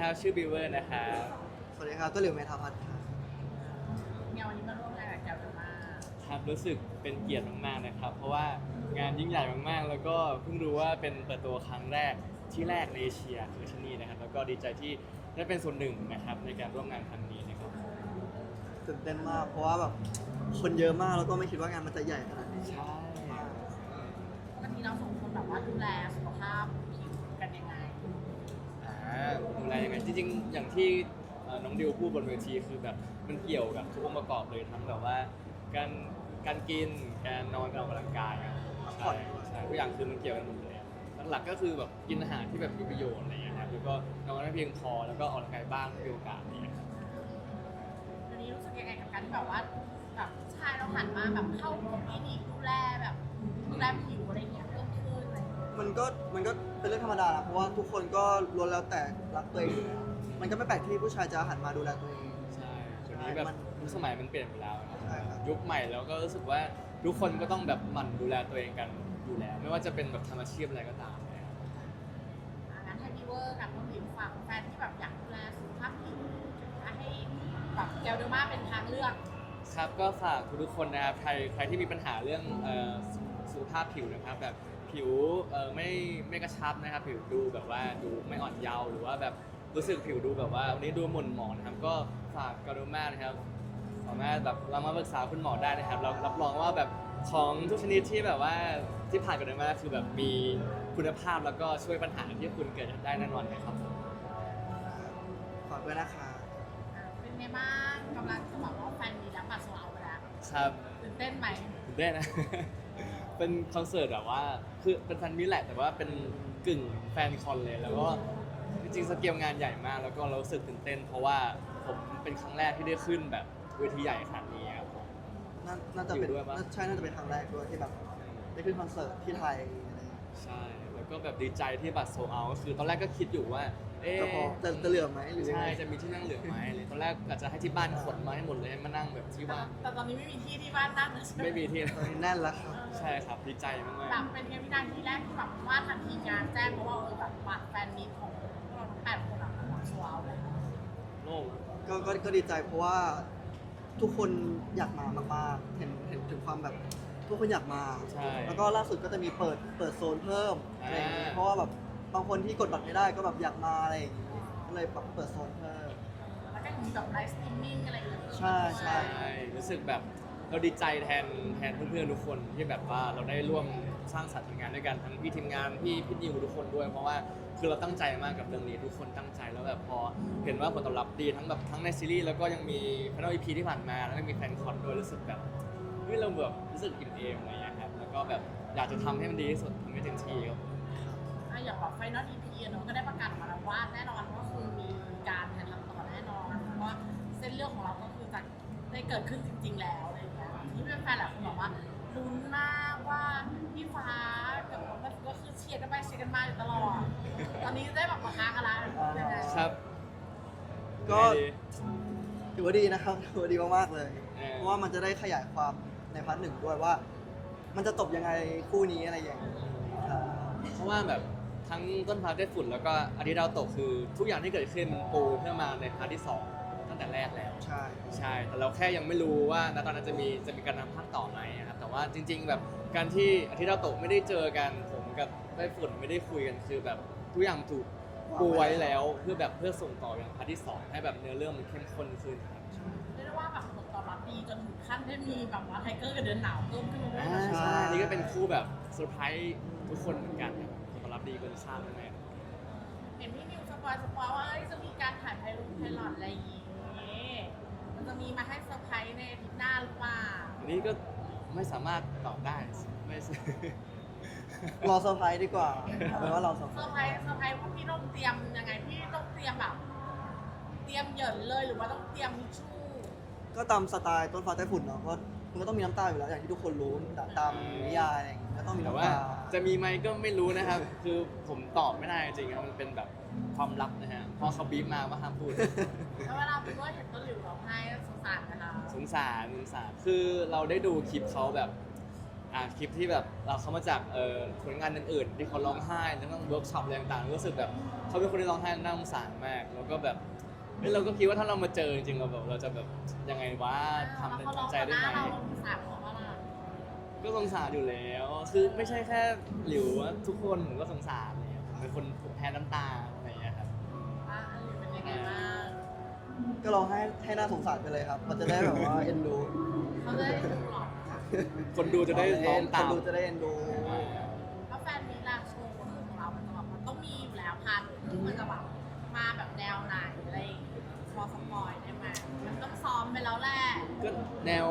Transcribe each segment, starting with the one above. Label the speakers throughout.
Speaker 1: ครับชื่อบิวเวอร์นะครับ
Speaker 2: สวัสดีครับตัวหลิวเมธาพัฒน์ครับ
Speaker 3: เนี่ยวันนี้มาร่วมงานกับแกวเดอร์มา
Speaker 1: ครับรู้สึกเป็นเกียรติมากๆนะครับเพราะว่างานยิ่งใหญ่มากๆแล้วก็เพิ่งรู้ว่าเป็นเปิดตัวครั้งแรกที่แรกในเอเชียคือที่นี่นะครับแล้วก็ดีใจที่ได้เป็นส่วนหนึ่งนะครับในการร่วมงานครั้งนี้นะครับ
Speaker 2: ตื่นเต้นมากเพราะว่าแบบคนเยอะมากแล้วก็ไม่คิดว่างานมันจะใหญ่ขนาดนี้
Speaker 1: ใช่
Speaker 3: ปกติเราสองคนแบบว่าดูแลสุขภาพผิวกันยังไง
Speaker 1: ดูแลยังไงจริงๆอย่างที่น้องดิวพูดบนเวทีคือแบบมันเกี่ยวกับทุกองค์ประกอบเลยทั้งแบบว่าการกินการนอนการออกกำลังกายอะใช่ใช่ทุกอย่างคือมันเกี่ยวกันหมดเลยหลักๆก็คือแบบกินอาหารที่แบบมีประโยชน์อะไรอย่างเงี้ยครับแล้วก็นอนให้เพียงพอแล้วก็ออกกำลังกายบ้างถ้ามีโอกาสอะไรอย่างเงี้ยครับ
Speaker 3: วันนี้รู้สึกยังไงกับการที่แบบว่าแบบผู้ชายเราหันมาแบบเข้าคลินิกดูแลแบบดูแลผิวอะไรเงี้ยเพิ่มขึ้นอะไรเงี้ย
Speaker 2: มันก็เป็นเรื่องธรรมดานะเพราะว่าทุกคนก็ล้วนแล้วแต่รักตัวเองอยู่แล้วมันก็ไม่แปลกที่ผู้ชายจะหันมาดูแลตัวเอง
Speaker 1: ใช่เดี๋ยวนี้แบบยุคสมัยมันเปลี่ยนไปแล้วนะครับ
Speaker 2: ใช่ครับ
Speaker 1: ยุคใหม่แล้วก็รู้สึกว่าทุกคนก็ต้องแบบหมั่นดูแลตัวเองกันอยู่แล้ว ไม่ว่าจะเป็นแบบทำอาชีพอะไรก็ตามนะครับ
Speaker 3: งั้นให้พี่เวอร์กับน้องหลิวฝากแฟนที่แบบอยากดูแลสุขภาพผิวให้แบบแกวเดอร์มาเป็นทางเลือก
Speaker 1: ครับก็ฝากทุกๆคนนะครับใครที่มีปัญหาเรื่องสุขภาพผิวนะครับแบบผิวไม่กระชับนะครับผิวดูแบบว่าดูไม่อ่อนเยาว์หรือว่าแบบรู้สึกผิวดูแบบว่าวันนี้ดูหม่นหมองนะครับก็ฝากกาโดมานะครับสามารถแบบเรามาปรึกษาคุณหมอได้นะครับเรารับรองว่าแบบของทุกชนิดที่แบบว่าที่ผ่านกาโดมาคือแบบมีคุณภาพแล้วก็ช่วยปัญหาที่คุณเกิดได้แน่นอนนะครับผม
Speaker 2: ฝากด้วยนะคะ
Speaker 3: เป็นไงบ้างกำลังจะบอกว่าแฟนมีแล้วบัตรโซลเอาท์ไปแล้ว
Speaker 1: ครับ
Speaker 3: ตื่นเต้นไหม
Speaker 1: ตื่นเต้นนะ เป็นคอนเสิร์ตแบบว่าคือเป็นแฟนมิตรแหละแต่ว่าเป็นกึ่งแฟนคอนเลยแล้วก็จริงๆสเกลงานใหญ่มากแล้วก็เรารู้สึกตื่นเต้น เพราะว่าผมเป็นครั้งแรกที่ได้ขึ้นแบบเวทีใหญ่ขนาดนี้ครับผม
Speaker 2: น่าจะเป็น
Speaker 1: อยู่ด้วยปะ
Speaker 2: น่าจะเป็นครั้งแรกด้วยที่แบบได้ขึ้นคอนเสิร์ตที่ไทยอะไรอย่างเงี้ย
Speaker 1: ใช่แล้วก็แบบดีใจที่บัตรโซลเอาท์ก็คือตอนแรกก็คิดอยู่ว่าเอ๊ะ
Speaker 2: แต่พอจะเหลือไหมหรือยัง
Speaker 1: ใช่
Speaker 2: ไง
Speaker 1: จะมีที่นั่งเหลือไหมเลยตอนแรกอาจจะให้ที่บ้านขนมาให้หมดเลยให้มานั่งแบบที่ว่าง
Speaker 3: แต่ตอนนี้ไม่มีที่ที่บ้านนั่งเลยใช่ไหม
Speaker 1: ไม่มีที่
Speaker 2: ตอนนี้แน่นแล้วครับ
Speaker 1: ใช่ครับดีใจมาก
Speaker 3: แบบเป็นไงวินาทีแรกที่แบบว่าทันทีงานแจ้งเพราะว่าแบบบัตรแฟนมีตของพวกเราทั้ง8 คนอะบัตรโซลเอาท์เลย
Speaker 1: ๆโล่ง
Speaker 2: ก็ดีใจเพราะว่าทุกคนอยากมามากๆเห็นถึงความแบบทุกคนอยากมา
Speaker 1: ใช่
Speaker 2: แล้วก็ล่าสุดก็จะมีเปิดโซนเพิ่มอะไรอย่างงี้
Speaker 1: อ่า
Speaker 2: เพราะว่าแบบบางคนที่กดบัตรไม่ได้ก็แบบอยากมาอะไรอย่างงี้ก็เลยแบบเปิดโซนเพิ่ม
Speaker 3: แล้วก็มีแบบไลฟ์สตรีมมิ่งอะไรอย่างเงี้ย
Speaker 2: ใช่ใช่
Speaker 1: ใช่รู้สึกแบบเราดีใจแทนเพื่อนๆทุกคนที่แบบว่าเราได้ร่วมสร้างสรรค์ผลงานด้วยกันทั้งพี่ทีมงานพี่นิวทุกคนด้วย เพราะว่าคือเราตั้งใจมากกับเรื่องนี้ทุกคนตั้งใจแล้วแบบพอเห็นว่าผลตอบรับดีทั้งแบบทั้งในซีรีส์แล้วก็ยังมีพาร์ทอีพีที่ผ่านมาแล้วก็มีแฟนคอนด้วยรู้สึกแบบเฮ้ยเราแบบรู้สึกอิ่มเอมอะไรอย่างเงี้ยครับแล้วก็แบบอยากจะทำให้มันดีที่สุดทำให้เต็มที่ครับ
Speaker 3: อย่างแบบไฟนอล EP เนาะก็ได้ประกาศออกมาแล้วว่าแน่นอนว่าคือมีการถ่ายทำต่อแน่นอนเพราะว่าเส้นเรื่องของเราก็คือจะได้เกิดขึ้นจริง ๆ แล้วอะไรอย่างเงี้ยที่เป็นแฟนหลายคนบอกว่าลุ้นมากว่าพี่ฟ้ากับน้องก็คือเชียร์กันไปเชียร์กันมาอยู่ตลอดตอนนี้ได้แบบมาค้างกันแล้วยังไง
Speaker 1: ครับ
Speaker 2: ก็
Speaker 1: ยังไงดี
Speaker 2: ถือว่าดีนะครับถือว่าดีมากๆเลย
Speaker 1: เออ
Speaker 2: เพราะว่ามันจะได้ขยายความในพาร์ทหนึ่งด้วยว่า มันจะจบยังไงคู่นี้อะไรอย่างนี้ครับ
Speaker 1: เพราะว่าแบบทั้งต้นพาร์ทได้ฝุ่นแล้วก็อาทิตย์ดาวตกคือทุกอย่างที่เกิดขึ้นมันปูเพื่อมาในพาร์ทที่สองตั้งแต่แรกแล้ว
Speaker 2: ใช่
Speaker 1: ใช่ แต่เราแค่ยังไม่รู้ว่าณตอนนั้นจะมีการนำภาคต่อไหมนะครับ แต่ว่าจริง ๆ แบบการที่อาทิตย์ดาวตกไม่ได้เจอกันผมกับได้ฝุ่นไม่ได้คุยกันคือแบบทุกอย่างถูกปูไว้แล้วเพื่อแบบเพื่อส่งต่ออย่างพาร์ทที่สองให้แบบเนื้อเรื่องมันเข้มข้นขึ้นครับ
Speaker 3: เรียกได้ว่าแบบผลตอบรับดีจนถึงขั้นได้มีแบบว่าไทเกอร์กับเดินหนาวเพิ่มขึ้นมาด้วย
Speaker 1: อ่า
Speaker 3: นะ
Speaker 1: ใช่นี่ก็เป็นคู่แบบเซอร์ไพรส์ทุกคนเหมือนกันครับผลตอบรับดีเกินคาดแน่ๆ
Speaker 3: เห็นพี่นิวสปอยว่าเอ้ยจะมีการถ่ายไพลอตอะไรอย่างงี้มันจะมีมาให้เซอร์ไพรส์ในอาทิตย์หน้าหรือเปล่า
Speaker 1: อันนี้ก็ไม่สามารถตอบได้ไม่
Speaker 2: รอเซอร์ไพรส์ดีกว่าเอาเป็นว่าเราเซอร์ไพ
Speaker 3: เซ
Speaker 2: ร
Speaker 3: อ
Speaker 2: ส์
Speaker 3: ร์ไพรส์ว่าพี่ต้องเตรียมยังไงพี่ต้องเตรียมแบบเตรียมเหยินเลยหรือว่าต้องเตรียมทิชชู่
Speaker 2: ก็ตามสไตล์ต้นฟ้าใต้ฝุ่นเนาะก็มันก็ต้องมีน้ำตาอยู่แล้วอย่างที่ทุกคนรู้ตามนิยายอะไรอย่างงี้ก็ต้องมี
Speaker 1: แต่
Speaker 2: น้ำ
Speaker 1: ว่า
Speaker 2: ตา
Speaker 1: จะมีไหมก็ไม่รู้นะครับ คือผมตอบไม่ได้จริงๆครับมันเป็นแบบความลับนะฮะพอเขาบีบมาว่าห้ามพูด
Speaker 3: แล้วเวลาคุณว่าเห็นต้นหลิวร้องไห้สงสารนะคะ
Speaker 1: สงสารคือเราได้ดูคลิปเขาแบบคลิปที่แบบเราเขามาจากผลงานอื่นๆที่เขาร้องไห้แล้วต้องเวิร์กช็อปอะไรต่างๆรู้สึกแบบเขาเป็นคนที่ร้องไห้น่าสงสารมากแล้วก็แบบเราก็คิดว่าถ้าเรามาเจอจริงๆเราจะแบบยังไงวะทำ
Speaker 3: แล้วเขาร้อง
Speaker 1: ใจ
Speaker 3: ต่อห
Speaker 1: ได้
Speaker 3: น้า
Speaker 1: ไหม
Speaker 3: เราสงสารเขาว่าล่ะ
Speaker 1: ก็สงสารอยู่แล้ว คือไม่ใช่แค่หลิวอะทุกคนผมก็สงสารเลยผมเป็นคนแพ้น้ำตาอะไรอย่างเงี้ยครับ
Speaker 3: ว่าเป็นยังไงบ้าง
Speaker 2: ก็ร้องให้น่าสงสารไปเลยครับ มันจะได้แบบว่าเอ็นดู
Speaker 3: เขาจะได้ดูหรอ
Speaker 1: คนดูจะได้ร้องตาม
Speaker 2: คนดูจะได้เอ็นดู
Speaker 3: แล้วแฟนมีลาโชว์ของเรามันจะแบบมันต้องมีอยู่แล้วพาร์ทที่มันจะแบบมาแบบแนวไหนอะไรอย่างเงี้ยพอสปอยได้ไหมมันต้องซ้อมไปแล้วแหละ
Speaker 1: ก็แนว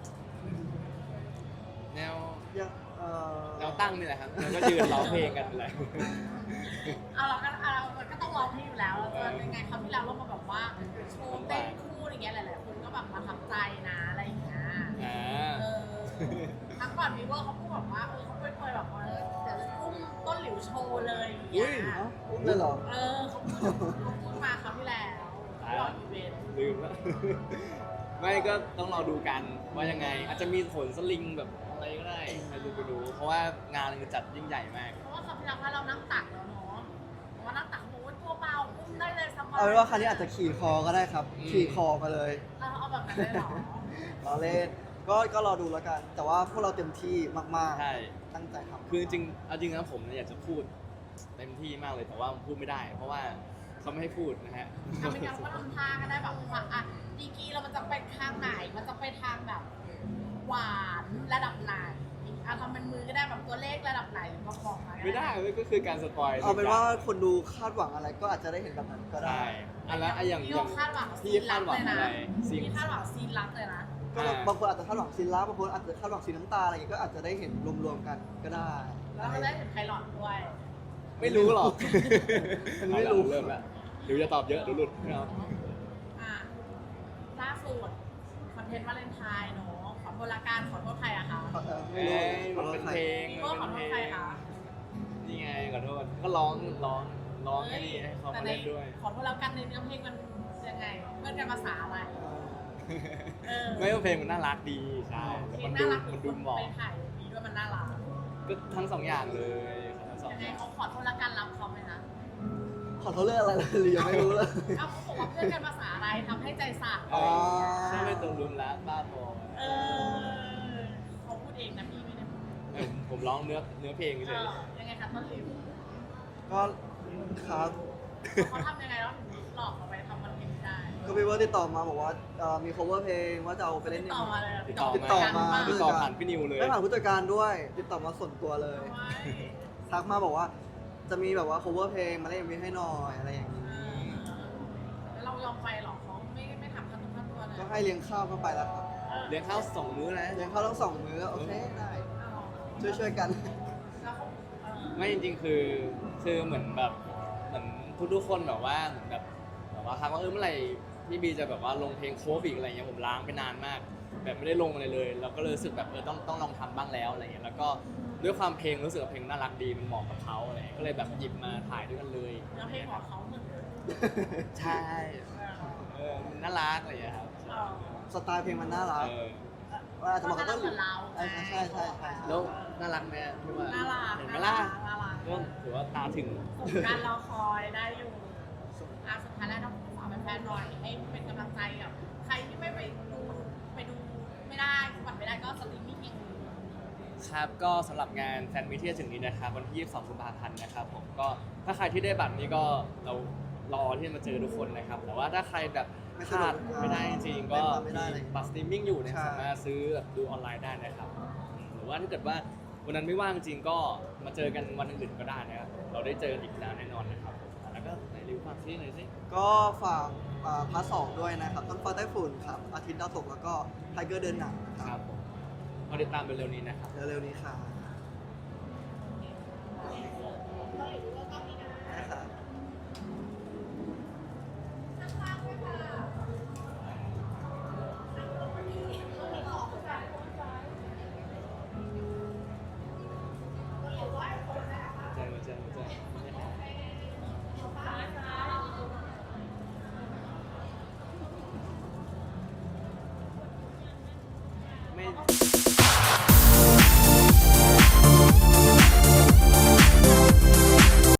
Speaker 2: ยัง
Speaker 1: แนวตั้งนี่แหละครับแล้วก็ยืนร้องเพลงกันแหละ
Speaker 3: เอาเราก็ต้องร้องเพลงอยู่แล้วเราจะยังไงคราวที่แล้วเรามาแบบว่าโชว์เต้นคู่อะไรเงี้ยหลายๆคนก็แบบประทับใจนะอะไรอย่างเงี้ย
Speaker 1: อ่า
Speaker 3: เออครั้งก่อนวีเวอร์เขาพูดแบบว่าเขาเคยแบบว่าเดี๋ยวอุ้มต้นหลิวโชว์เลยอย่างเงี้ย
Speaker 2: เอ้าอุ้มเลยเหรอ
Speaker 3: เขาพูดมาคราวที่แล้วรออีเวนต์
Speaker 1: ลืมแล้ว ไม่ก็ต้องรอดูกันว่ายังไง อาจจะมีขนสลิงแบบอะไรก็ได้ใครรู้ไปดู เพราะว่างานมันจัดยิ่งใหญ่มาก
Speaker 3: เพราะว่าคราวที่แล้วว่าเรานั่งตักแล้วเนาะเพราะว่านั่งตักโอ้ยตัวเบาอุ้มได้เลยสบาย
Speaker 2: เอาเป็นว่าครั้งนี้อาจจะขี่คอก็ได้ครับ ขี่คอมาเลย
Speaker 3: เอาแบบนั้นเลยเหรอ
Speaker 2: รอเล่นก็รอดูแล้วกัน แต่ว่าพวกเราเต็มที่มาก
Speaker 1: ใช่
Speaker 2: ๆ ตั้งใจทำ
Speaker 1: คือจริงเอาจริงนะผมเนี่ยอยากจะพูดเต็มที่มากเลยแต่ว่าผมพูดไม่ได้ เพราะว่าเขาไม่ให้พูดนะฮะ
Speaker 3: ทำเป็นการว่าทำท่าก็ได้แบบว่าอ่ะดีกรีเรามันจะไปทางไหน มันจะไปทางแบบหวานระดับไหนอ่ะทำเป็นมือก็ได้แบบตัวเลขระดับไหนก็บอกมา
Speaker 1: ไม่ได้ก็คือการสปอย
Speaker 2: เอาเป็นว่าคนดูคาดหวังอะไรก็อาจจะได้เห็นแบบนั้นก็ได้
Speaker 1: ใช่อันแล้วอย่าง
Speaker 3: พี่คาดหวัง
Speaker 1: พี่คาดหวังอะไรซีน
Speaker 3: พี่คาดหวังซีนรักเลยนะ
Speaker 2: ก็บางคนอาจจะคาดหวังซีนลับบางคนอาจจะคาดหวังซีนน้ำตาอะไรอย่างเงี้ยก็อาจจะได้เห็นรวมๆกันก็ได้
Speaker 3: แล้วก็ได้เห็นไพลอตด้วย
Speaker 1: ไม่รู้หรอก
Speaker 2: มันไม่รู้
Speaker 1: เริ่มแล้วเดี๋ยวจะตอบเยอะเดี๋ยวหลุดไม่เอา
Speaker 3: อ่ะล่าสุดคอนเทนต์วาเลนไทน์เนาะขอโทษละกันขอโทษใครอะคะ
Speaker 2: ไม่
Speaker 1: เอ้
Speaker 2: รู้
Speaker 1: ยมันเป็นเพลง
Speaker 3: พี่ว่าขอโทษใครคะ
Speaker 1: นี่ไงขอโทษก็ร้องให้ดีให้เขามาเล่นด้วย
Speaker 3: ขอโทษแล้วกันในเนื้อเพลงมันยังไงเพื่อนกันภาษาอะไร เออ
Speaker 1: ไม่ว่าเพลงมันน่ารักดีใช่แต่
Speaker 3: เพล
Speaker 1: มั
Speaker 3: ง
Speaker 1: น
Speaker 3: น่า
Speaker 1: ดู
Speaker 3: รัก
Speaker 1: มันดูเหมาะ
Speaker 3: ไปถ่ายมีด้วยมันน่ารัก
Speaker 1: ก็ทั้งสองอย่างเลยทั้งสอง
Speaker 3: ยัง
Speaker 1: อ
Speaker 3: ไง
Speaker 1: ย่าง
Speaker 3: เขาขอโทษละกันรับเขาไหมนะ
Speaker 2: ขอโทษเรื่องอะไรเลยหรือยังไม่รู้เลย
Speaker 3: เอ้าเขาบอกว่าเพื่อนกันภาษาอะไรทำให้ใจสั่น
Speaker 2: อ๋อ
Speaker 1: ใช่ไม่ตรงรุมแล้วบ้าบอ
Speaker 3: เออเขาพูดเองนะพี่ไม่ได้พูด
Speaker 1: ผมร้องเนื้อเพลงเฉย
Speaker 3: ยังไงคะต้นหลิว
Speaker 2: ก็ครับ
Speaker 3: เขาทำยังไงแล้วถึงหลอกเราไปทำมันเป็นได้
Speaker 2: ก็พี่เวิร์ดติดต่อมาบอกว่ามี cover เพลงว่าจะเอาไปเล่น
Speaker 3: ต่อมาเลย
Speaker 1: ติดต่อ
Speaker 2: ติดต่อมา
Speaker 1: ติดต่อผ่านพี่นิวเลย
Speaker 2: ไม่ผ่านผู้จัดการด้วย ติดต่อมาส่วนตัวเลย ทักมาบอกว่าจะมีแบบว่า cover เพลงมาเล่นมีให้หน่อยอะไรอย่างนี้
Speaker 3: แล้วเรายอมไปหรอเขาไม่ทำขั้นตัวเลย
Speaker 2: ก็ให้เลี้ยงข้าวเข้าไปแล้วครับ
Speaker 1: เลี้ยงข้าว2 มื้อนะ
Speaker 2: เลี้ยงข้าวทั้งสองมื้อโอเคได้ช่วยๆกัน
Speaker 3: แล้วเขา
Speaker 1: ไม่จริงๆคือเหมือนแบบเหมือนทุกๆคนแบบว่าเหมือนแบบว่าทักว่าเมื่อไหร่พี่บีจะแบบว่าลงเพลงโคฟอีกอะไรเงี้ยผมล้างไปนานมาก แบบไม่ได้ลงอะไรเลยเราก็เลยรู้สึกแบบต้องลองทำบ้างแล้วอะไรเงี้ยแล้วก็ด้วยความเพลงรู้สึกว่าเพลงน่ารักดีมันเหมาะกับเขาอะไรเงี้ยก็เลยแบบหยิบมาถ่ายด้วยกันเลย
Speaker 3: แล้วเพลงของเขาเหมือน
Speaker 1: ใช่มันน่ารักอะไรอย่างเงี้ยครับ
Speaker 2: สไตล์เพลงมันน่ารัก
Speaker 1: เออ
Speaker 2: ว่าอาจจะเหมาะกับต้นหลิว
Speaker 3: เรา
Speaker 2: ใช่ใช่
Speaker 1: แล้วน่ารักไหมพี่ว่า
Speaker 3: น่ารัก
Speaker 1: เห็นไหมล่ะ
Speaker 3: น่ารัก
Speaker 1: ก็ถือว่าตาถึง
Speaker 3: สมการรอคอยได้อยู่สุดท้ายแล้วต้องฝากแฟนๆหน่อยให้เป็นกำลังใจกับใครที่ไม่ไปดูไม่ได้บัตรไม่ได้ก็สตรีมมิ่งเอง
Speaker 1: ครับก็สำหรับงานแฟนมิตที่จะถึงนี้นะครับวันที่22 กุมภาพันธ์นะครับผมก็ถ้าใครที่ได้บัตรนี้ก็เรารอที่จะมาเจอทุกคนนะครับแต่ว่าถ้าใครแบบพลาดไม่ได้จริงๆก็มีบัตรสตรีมมิ่งอยู่นะครับสามารถซื้อแบบดูออนไลน์ได้นะครับหรือว่าถ้าเกิดว่าวันนั้นไม่ว่างจริงก็มาเจอกันวันอื่นๆก็ได้นะครับเราได้เจอกันอีกแล้วแน่นอนนะครับแล้วก็ไหนรีวิวฟังซิหน่อยสิ
Speaker 2: ก็ฝากพาร์ท 2ด้วยนะครับต้นฟ้าใต้ฝุ่นครับอาทิตย์ดาวตกแล้วก็ไทเกอร์เดินหนังค
Speaker 1: ค
Speaker 2: รั
Speaker 1: รั
Speaker 2: บบ
Speaker 1: ผมก็ติดตามเร็วๆนี้นะครับ
Speaker 2: เร็วๆนี้ค่ะ
Speaker 3: ก็เลย